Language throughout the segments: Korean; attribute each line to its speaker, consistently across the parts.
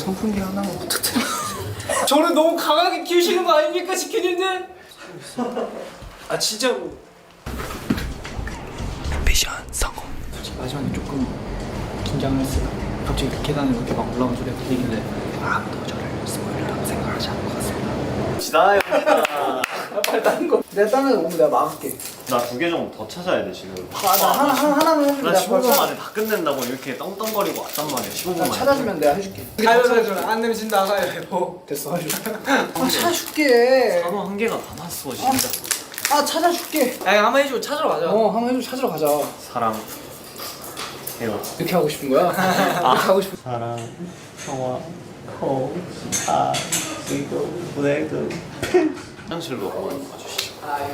Speaker 1: 선풍기 하나만 부탁드려요.
Speaker 2: 저를 너무 강하게 키우시는 거 아닙니까, 지키님들? 아 진짜로.
Speaker 1: 미션 성공. 솔직히 마지막에 조금 긴장을 했어요. 갑자기 계단을 이렇게 막 올라온 소리가 들리길래 아무도 저를 스포일러라고 생각하지 않을 것 같습니다.
Speaker 3: 지나요.
Speaker 1: 빨리 다른 거. 내가 다른 거 오면 내가 막을게.
Speaker 3: 나 2개 정도 더 찾아야 돼 지금.
Speaker 1: 나 하나는
Speaker 3: 나 15분 만에 다 끝낸다고 이렇게 덩덩거리고 왔단 말이야. 15분 만에.
Speaker 1: 찾아주면 내가 해줄게.
Speaker 2: 가위바위보 안 내면 가위바위보.
Speaker 1: 됐어, 해줄게. 찾아줄게.
Speaker 3: 단어 한 개가 남았어 진짜.
Speaker 1: 찾아줄게.
Speaker 2: 야 한번 해줘. 찾으러 가자.
Speaker 1: 한번 해줘. 찾으러 가자.
Speaker 3: 사랑 해요.
Speaker 1: 이렇게 하고 싶은 거야? 이렇게 하고 싶은.
Speaker 3: 사랑 평화 호아 그리고 보내고 화장실로 한번 가주시죠.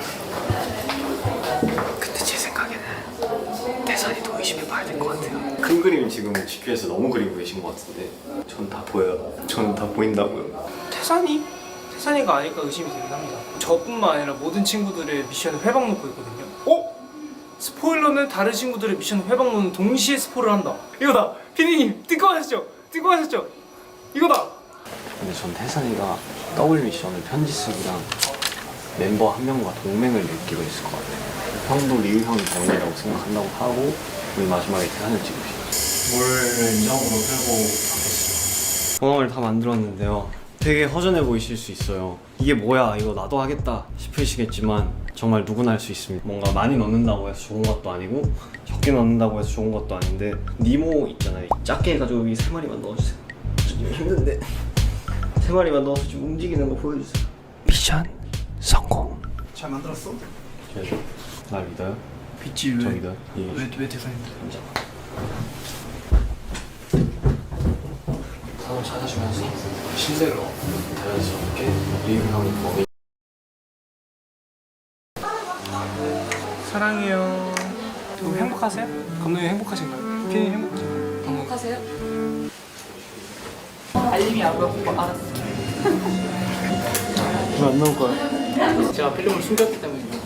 Speaker 1: 근데 제 생각에는 대산이도 의심해봐야 될 것 같아요.
Speaker 3: 큰 그림 지금 GQ에서 너무 그리고 계신 것 같은데 전 다 보여요. 저는 다 보인다고요.
Speaker 2: 태산이가 아닐까 의심이 되긴 합니다. 저뿐만 아니라 모든 친구들의 미션을 회방 놓고 있거든요. 스포일러는 다른 친구들의 미션을 회방 놓는 동시에 스포를 한다. 이거다. 피디님 듣고 하셨죠? 이거다.
Speaker 3: 근데 전 태산이가 더블 미션을 편지 쓰기랑 멤버 한 명과 동맹을 느끼고 있을 것 같아요. 형도 리우 형이 동맹이라고 생각한다고 하고 우리 마지막에 태산을 찍으시죠. 뭘 인정으로 풀고 가겠습니다. 공항을 다 만들었는데요. 되게 허전해 보이실 수 있어요. 이게 뭐야 이거 나도 하겠다 싶으시겠지만 정말 누구나 할 수 있습니다. 뭔가 많이 넣는다고 해서 좋은 것도 아니고 적게 넣는다고 해서 좋은 것도 아닌데 니모 있잖아요. 작게 해가지고 여기 3마리만 넣어주세요. 좀 힘든데 3마리만 넣어서 좀 움직이는 거 보여주세요.
Speaker 1: 미션 성공. 잘 만들었어?
Speaker 3: 날 믿어요?
Speaker 1: 빛이
Speaker 3: 저 믿어요?
Speaker 1: 왜 대산인데?
Speaker 3: 진짜.
Speaker 1: 사람 찾아주면서 실내로
Speaker 3: 자연스럽게 리우 형이 범인.
Speaker 2: 사랑해요. 두 분 행복하세요? 감독님 행복하신가요? 피디님 행복하신가요?
Speaker 4: 행복하세요?
Speaker 1: 알림이 안 가고 알았어.
Speaker 3: 왜 안 나올 거야?
Speaker 1: 제가 필름을 숨겼기 때문이죠.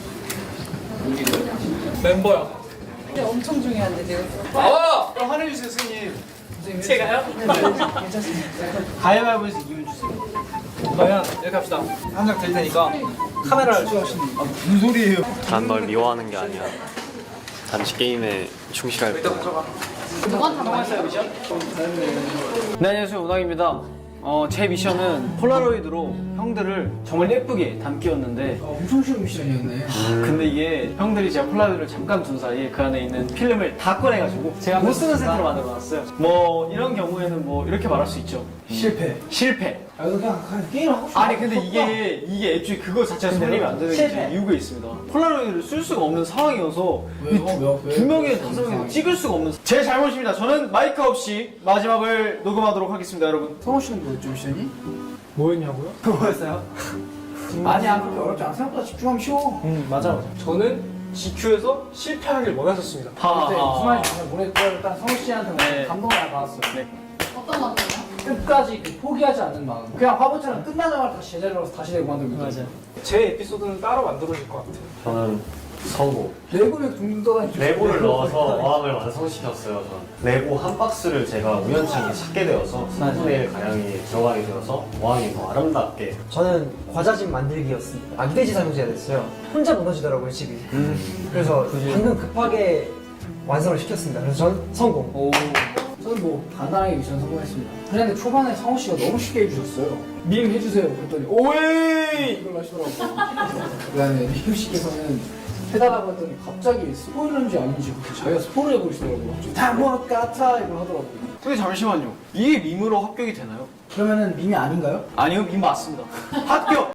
Speaker 2: 멤버야.
Speaker 4: 근데 엄청 중요한데 내가
Speaker 2: 나와! 그럼 화내주세요, 스님. 제가요?
Speaker 1: 괜찮습니다.
Speaker 2: 가위바위보에서 이기면 주세요. 그러면 이렇게 합시다. 한 장 드릴 테니까 카메라를 찍으시는.
Speaker 1: 무슨 소리예요?
Speaker 3: 난 널 미워하는 게 아니야. 단지 게임에 충실할 뿐.
Speaker 4: 누구한테 한 말이야?
Speaker 5: 네, 안녕하세요. 우당입니다. 제 미션은 폴라로이드로 형들을 정말 예쁘게 담기였는데
Speaker 1: 엄청 쉬운 미션이었네.
Speaker 5: 근데 이게 형들이 제가 폴라로이드를 잠깐 둔 사이에 그 안에 있는 필름을 다 꺼내가지고 제가 못 쓰는 세트로 만들어놨어요. 뭐 이런 경우에는 뭐 이렇게 말할 수 있죠. 실패.
Speaker 1: 아, 이거 그냥 게임을 하고 싶어.
Speaker 5: 아니 근데 이게 애초에 그거 자체가 설립이 안 되는 게 이유가 있습니다. 폴라로이드를 쓸 수가 없는 상황이어서
Speaker 1: 왜요?
Speaker 5: 두 명이 다섯 명이 찍을 수가 없는 제 잘못입니다. 저는 마이크 없이 마지막을 녹음하도록 하겠습니다, 여러분.
Speaker 1: 성호 씨는 뭐였죠, 미션이?
Speaker 2: 뭐였냐고요?
Speaker 1: 뭐였어요? 아니야, 그렇게 어렵지 않아. 생각보다 집중하면 쉬워.
Speaker 5: 맞아.
Speaker 2: 저는 GQ에서 실패하길 원하셨습니다.
Speaker 1: 그때 무슨 말인지 잘 모르겠고 일단 성호 씨한테
Speaker 5: 네.
Speaker 1: 감동을 많이 받았어요.
Speaker 5: 네.
Speaker 4: 어떤 건데요?
Speaker 1: 끝까지 포기하지 않는 마음. 그냥 화보처럼 끝나자마자 다시 제자리로 가서 다시 내고 만들고 있거든요.
Speaker 2: 제 에피소드는 따로 만들어질 것 같아요.
Speaker 3: 저는 성공.
Speaker 1: 레고를 둥둥 떠다니고
Speaker 3: 레고를 넣어서 어항을 완성시켰어요. 저는 레고 한 박스를 제가 우연찮게 찾게 되어서 3분의 1 가량이 들어가게 되어서 어항이 더 아름답게.
Speaker 6: 저는 과자집 만들기였습니다. 아기돼지 설명제가 됐어요. 혼자 무너지더라고요, 집이. 그래서 방금 급하게 완성을 시켰습니다. 그래서 전 성공.
Speaker 1: 저는 뭐 간단하게 미션 성공했습니다. 그런데 초반에 성호 씨가 너무 쉽게 해주셨어요. 밈 해주세요. 그랬더니 오이 이걸 하시더라고요. 그다음에 리우 씨께서는 해달라고 했더니 갑자기 스포일러인지 아닌지 그렇게 자기가 스포를 해버리시더라고요. 다뭐 같아 이걸 하더라고요.
Speaker 5: 근데 잠시만요. 이게 밈으로 합격이 되나요?
Speaker 1: 그러면은 밈이 아닌가요?
Speaker 5: 아니요, 밈 맞습니다. 합격!